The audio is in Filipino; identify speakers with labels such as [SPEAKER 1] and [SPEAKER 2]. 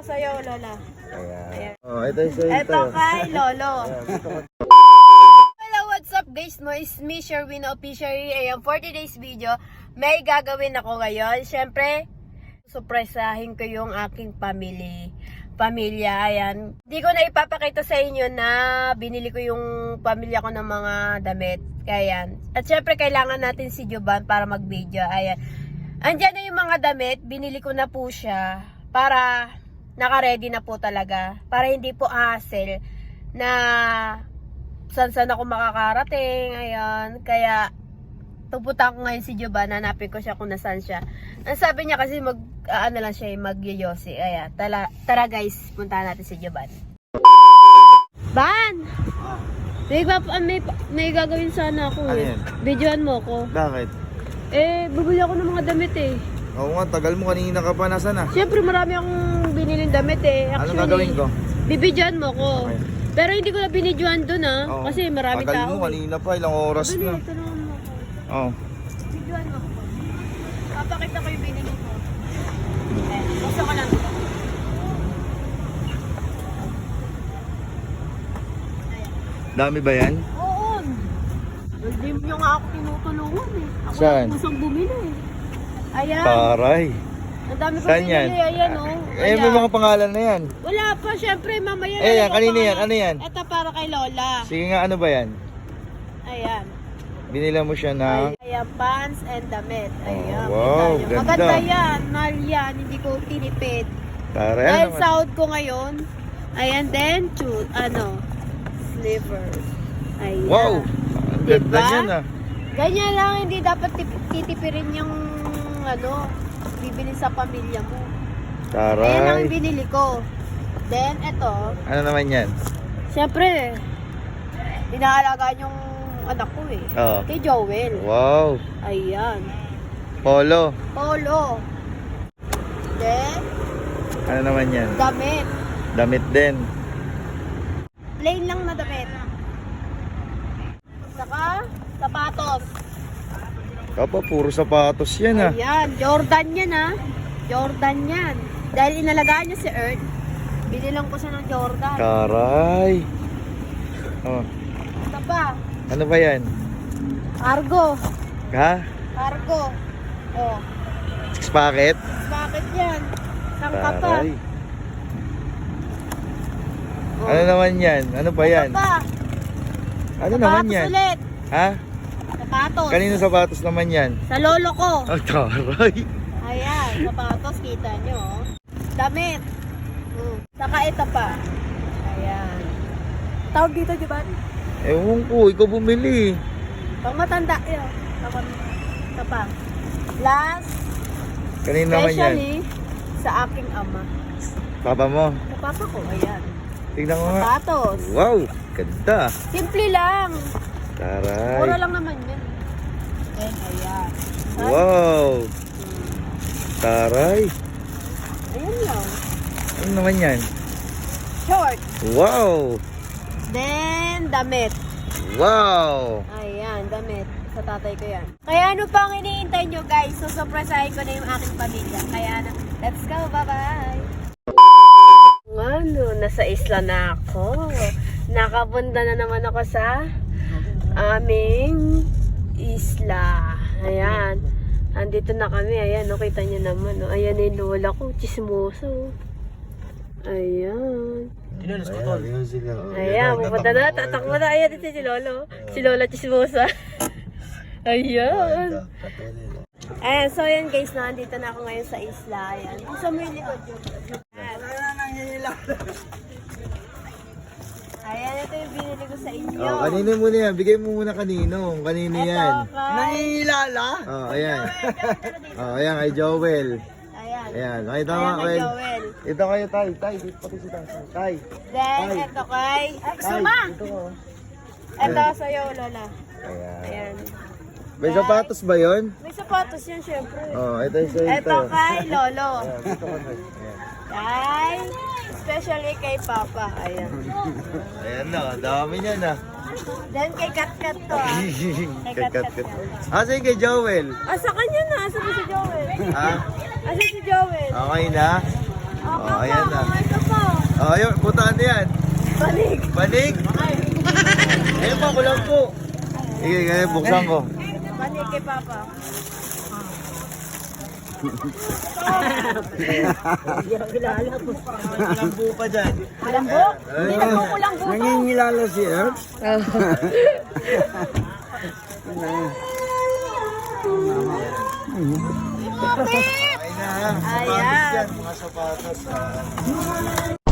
[SPEAKER 1] Sa'yo, Lola.
[SPEAKER 2] Ayan. Oh, ito yung sa'yo.
[SPEAKER 1] Ito kay Lolo. Hello, what's up guys? No, it's me, Sherwin Officially. Ayan, 40 days video. May gagawin ako ngayon. Siyempre, surpresahin ko yung aking pamilya. Ayan. Hindi ko na ipapakita sa inyo na binili ko yung pamilya ko ng mga damit. Ayan. At siyempre, kailangan natin si Juban para mag-video. Ayan. Andyan na yung mga damit. Binili ko na po siya para naka-ready na po talaga. Para hindi po hassle na saan ako makakarating. Ayan. Kaya, pupunta ko ngayon si Juban. Hanapin ko siya kung nasaan siya. Ang sabi niya kasi mag-yoyosi. Ayan. Tara guys, puntahan natin si Juban. Ban! May gagawin sana ako eh. Videoan mo ko.
[SPEAKER 2] Bakit?
[SPEAKER 1] Bubili ako ng mga damit eh.
[SPEAKER 2] Oo nga, tagal mo kanina ka pa. Nasaan na?
[SPEAKER 1] Siyempre marami akong biniling damit eh.
[SPEAKER 2] Anong gagawin ko?
[SPEAKER 1] Bibidyoan mo ko.
[SPEAKER 2] Okay.
[SPEAKER 1] Pero hindi ko na binidyoan dun ah.
[SPEAKER 2] Oo.
[SPEAKER 1] Kasi maraming
[SPEAKER 2] tagal
[SPEAKER 1] tao
[SPEAKER 2] mo kanina pa, ilang oras
[SPEAKER 1] Dali,
[SPEAKER 2] na.
[SPEAKER 1] tanungan mo ko.
[SPEAKER 2] Oo.
[SPEAKER 1] Bidyoan mo ko. Papakita ko yung binili ko. Gusto ko lang ito.
[SPEAKER 2] Dami ba yan?
[SPEAKER 1] Oo. Hindi nyo nga ako tinutulungan eh. Ako
[SPEAKER 2] Saan?
[SPEAKER 1] lang pusang bumili eh. Ayan.
[SPEAKER 2] Taray.
[SPEAKER 1] Ang dami ko
[SPEAKER 2] Saan
[SPEAKER 1] binili.
[SPEAKER 2] yan?
[SPEAKER 1] Ayan oh.
[SPEAKER 2] May mga pangalan na yan.
[SPEAKER 1] Wala pa, syempre mamaya
[SPEAKER 2] Eh, yan,
[SPEAKER 1] lang
[SPEAKER 2] kanina
[SPEAKER 1] ako
[SPEAKER 2] yan, ano yan?
[SPEAKER 1] Ito para kay Lola.
[SPEAKER 2] Sige nga, ano ba yan?
[SPEAKER 1] Ayan.
[SPEAKER 2] Binila mo siya ng...
[SPEAKER 1] Ayan, pants and damit. Ayan.
[SPEAKER 2] wow,
[SPEAKER 1] kita nyo.
[SPEAKER 2] ganda.
[SPEAKER 1] Maganda yan. Mahal yan. Hindi ko tinipid.
[SPEAKER 2] Taray.
[SPEAKER 1] Dahil
[SPEAKER 2] Ano naman?
[SPEAKER 1] sahod ko ngayon. Ayan, then, slippers. Ayan.
[SPEAKER 2] Wow! Ang ganda
[SPEAKER 1] Diba?
[SPEAKER 2] niyan ah.
[SPEAKER 1] Ganyan lang, hindi dapat titipirin yung, bibili sa pamilya mo. Ayan ang
[SPEAKER 2] Taray.
[SPEAKER 1] binili ko. Then, eto,
[SPEAKER 2] Ano naman yan?
[SPEAKER 1] syempre, inaalagaan yung anak ko eh.
[SPEAKER 2] Oo.
[SPEAKER 1] Kay Joel.
[SPEAKER 2] Wow.
[SPEAKER 1] Ayan.
[SPEAKER 2] Polo.
[SPEAKER 1] Polo. Then,
[SPEAKER 2] Ano naman yan?
[SPEAKER 1] damit.
[SPEAKER 2] Damit din.
[SPEAKER 1] Plain lang na damit. Saka, sapatos.
[SPEAKER 2] Kapa, puro sapatos yan ah.
[SPEAKER 1] Ayan, Jordan yan ah. Jordan yan. Dahil inalagaan niya si Earth, binilang ko siya ng Jordan.
[SPEAKER 2] Taray. Oh.
[SPEAKER 1] Ito pa,
[SPEAKER 2] Ano ba yan?
[SPEAKER 1] cargo.
[SPEAKER 2] Ha?
[SPEAKER 1] Cargo. Oh,
[SPEAKER 2] Six packet?
[SPEAKER 1] bakit yan? Sangka pa.
[SPEAKER 2] Taray.
[SPEAKER 1] Oh.
[SPEAKER 2] Ano naman yan? Ano ba yan?
[SPEAKER 1] Ito pa,
[SPEAKER 2] Ano naman
[SPEAKER 1] sapatos
[SPEAKER 2] yan?
[SPEAKER 1] ulit.
[SPEAKER 2] Ha?
[SPEAKER 1] Sapatos.
[SPEAKER 2] Kanino sapatos naman yan?
[SPEAKER 1] Sa lolo ko.
[SPEAKER 2] Oh, taray.
[SPEAKER 1] Ayan, sapatos, kita nyo. Oh. Damit. Saka ito pa. Ayan. Tawag dito, di ba?
[SPEAKER 2] Ewan ko, ikaw bumili.
[SPEAKER 1] Pang matanda yun. Ito pa. Last,
[SPEAKER 2] Kanino naman yan?
[SPEAKER 1] especially sa aking ama.
[SPEAKER 2] Papa mo?
[SPEAKER 1] Sa papa ko, ayan.
[SPEAKER 2] Tignan ko nga.
[SPEAKER 1] Sapatos.
[SPEAKER 2] Wow, ganda.
[SPEAKER 1] Simple lang.
[SPEAKER 2] Taray.
[SPEAKER 1] Mura lang naman yun. Then, ayan.
[SPEAKER 2] Wow. Taray.
[SPEAKER 1] Ayan lang.
[SPEAKER 2] Ano naman yan?
[SPEAKER 1] Short.
[SPEAKER 2] Wow.
[SPEAKER 1] Then, damit.
[SPEAKER 2] Wow.
[SPEAKER 1] Ayan, damit. Sa tatay ko yan. Kaya ano pang iniintay nyo guys? So, surprisahin ko na yung aking pamilya. Kaya na, let's go. Bye-bye. Ano, nasa isla na ako. Nakapunta na naman ako sa aming isla. Ayan. Andito na kami. Ayan, no, kita nyo naman. No. Ayan yung lola ko. Chismoso. Ayan. Ayan, pupunta na. Tatakbo na. Ayan, ito si Lolo. Si Lola Chismosa. Ayan. Ayan, so ayan guys, nandito na ako ngayon sa isla. Ayan. Gusto mo yung likod yun. Ayan, ito yung binili ko sa inyo.
[SPEAKER 2] Oh, kanino muna yan? Bigay mo muna kanino. Kanino yan?
[SPEAKER 1] Ito kay...
[SPEAKER 2] Oh, ayan. Oh, ayan kay Joel.
[SPEAKER 1] Ayan.
[SPEAKER 2] Ayan, nakita mo
[SPEAKER 1] Ayan
[SPEAKER 2] nga,
[SPEAKER 1] kay
[SPEAKER 2] Joel.
[SPEAKER 1] Joel.
[SPEAKER 2] Ito kayo, Tay. Tay, dito pati si Tay. Tay.
[SPEAKER 1] Then,
[SPEAKER 2] Ay.
[SPEAKER 1] ito kay...
[SPEAKER 2] Tay, dito ko.
[SPEAKER 1] Ito sa'yo, Lola.
[SPEAKER 2] Ayan.
[SPEAKER 1] Ayan.
[SPEAKER 2] May sapatos ba yun?
[SPEAKER 1] May sapatos yan, syempre.
[SPEAKER 2] Oh, ito yung sa'yo.
[SPEAKER 1] Ito kay Lolo.
[SPEAKER 2] Ayan, dito ko. Ayan.
[SPEAKER 1] Kay... Especially kay Papa. Ayan.
[SPEAKER 2] Ayan na, dami niya na.
[SPEAKER 1] Then kay Kat-Kat to ah.
[SPEAKER 2] Kat. Asa yung kay Joel?
[SPEAKER 1] Ah, sa kanya na. Asa ba si Joel?
[SPEAKER 2] Ha?
[SPEAKER 1] Asa si Joel?
[SPEAKER 2] Okay na? Oh, ayan na.
[SPEAKER 1] Ito po.
[SPEAKER 2] Oh, ayun, putaan na yan.
[SPEAKER 1] Balik.
[SPEAKER 2] Balik. Ayun pa, kulang po. Sige, kaya buksan ko.
[SPEAKER 1] Balik kay Papa.
[SPEAKER 2] Kulang po pa dyan.
[SPEAKER 1] Kulambo? Hindi na po kulambo to.
[SPEAKER 3] Nangingilala si Earth.
[SPEAKER 2] Ay na, sapatos
[SPEAKER 1] Ayan.
[SPEAKER 2] yan, mga sapatos.